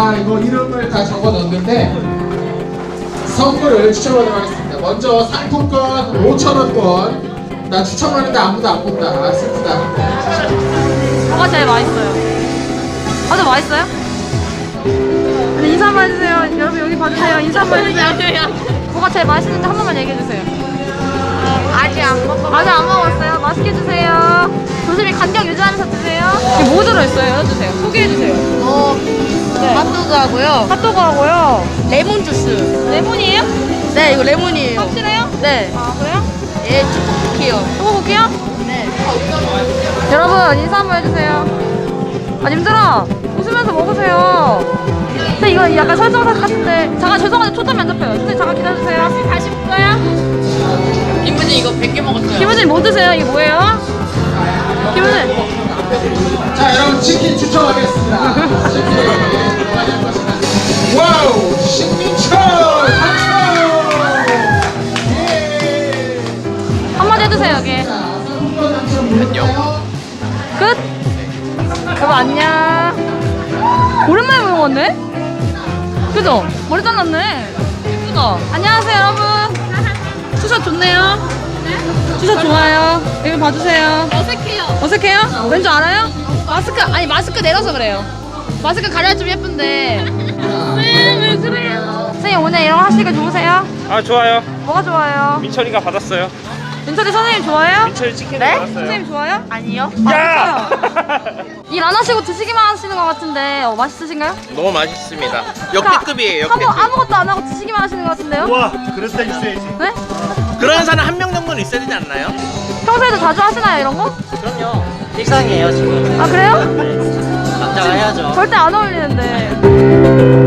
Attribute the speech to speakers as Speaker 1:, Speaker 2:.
Speaker 1: 자, 이거 이름을 다 적어 넣었는데 선물을 추첨하도록 하겠습니다. 먼저 상품권 5,000원권. 나 추첨하는데 아무도 안 본다. 슬프다.
Speaker 2: 뭐가 제일 맛있어요? 아주 맛있어요? 아니, 인사 한번 해주세요. 여러분 여기 봐주세요. 인사 한번 해주세요. 뭐가 제일 맛있는지 한 번만 얘기해주세요.
Speaker 3: 아직 안 먹어.
Speaker 2: 아직 안 먹었어요. 맛있게 드세요. 조심히 간격 유지하면서 드세요. 이게 뭐 들어있어요? 해주세요. 소개해주세요. 네.
Speaker 3: 핫도그하고요.
Speaker 2: 핫도그하고요.
Speaker 3: 레몬 주스.
Speaker 2: 레몬이에요?
Speaker 3: 네, 이거 레몬이에요.
Speaker 2: 확실해요?
Speaker 3: 네.
Speaker 2: 아, 그래요?
Speaker 3: 예, 초코쿠키요.
Speaker 2: 초코쿠키요?
Speaker 3: 네.
Speaker 2: 여러분 인사 한번 해주세요. 아 님들아 웃으면서 먹으세요. 근데 이거 약간 설정사 같은데 잠깐 죄송한데 초점이 안 잡혀요. 선생님 잠깐 기다려주세요. 다시 볼까요?
Speaker 3: 김은지 이거 100개 먹었어요.
Speaker 2: 김우진 뭐 드세요? 이게 뭐예요? 김우진
Speaker 1: 자, 여러분 치킨 추첨하겠습니다. 치킨 뭐가 될 것이다. 와우, 신민철 당첨. 예.
Speaker 2: 한마디 해주세요 여기.
Speaker 1: 자, 상품권 당첨.
Speaker 2: 끝? 여보 안녕. 오랜만에 보는 건데? 그죠? 머리 잘랐네. 예쁘다. 안녕하세요 여러분. 투샷 좋네요. 투샷 좋아요. 여기 봐주세요.
Speaker 3: 어색해요.
Speaker 2: 어색해요? 왠 줄 알아요? 마스크 아니 마스크 내려서 그래요. 마스크 가려야 좀 예쁜데. 왜 그래요? 선생님 오늘 이런 거 하시니까 좋으세요?
Speaker 4: 아 좋아요.
Speaker 2: 뭐가 좋아요?
Speaker 4: 민철이가 받았어요.
Speaker 2: 민철이 선생님 좋아요?
Speaker 4: 민철이 치킨
Speaker 2: 네?
Speaker 4: 받았어요.
Speaker 2: 선생님 좋아요?
Speaker 3: 아니요.
Speaker 4: 야!
Speaker 2: 일 안 하시고 드시기만 하시는 것 같은데 맛있으신가요?
Speaker 5: 너무 맛있습니다.
Speaker 2: 그러니까
Speaker 5: 역대급이에요,
Speaker 2: 하고
Speaker 5: 역대급.
Speaker 2: 아무것도 안 하고 드시기만 하시는 것 같은데요?
Speaker 4: 와, 그럴 때 있어야지.
Speaker 2: 네?
Speaker 5: 그런 사람 한 명 정도는 있어야 되지 않나요?
Speaker 2: 평소에도 자주 하시나요 이런 거?
Speaker 6: 그럼요. 일상이에요 지금.
Speaker 2: 아 그래요?
Speaker 6: 남자가 해야죠.
Speaker 2: 절대 안 어울리는데.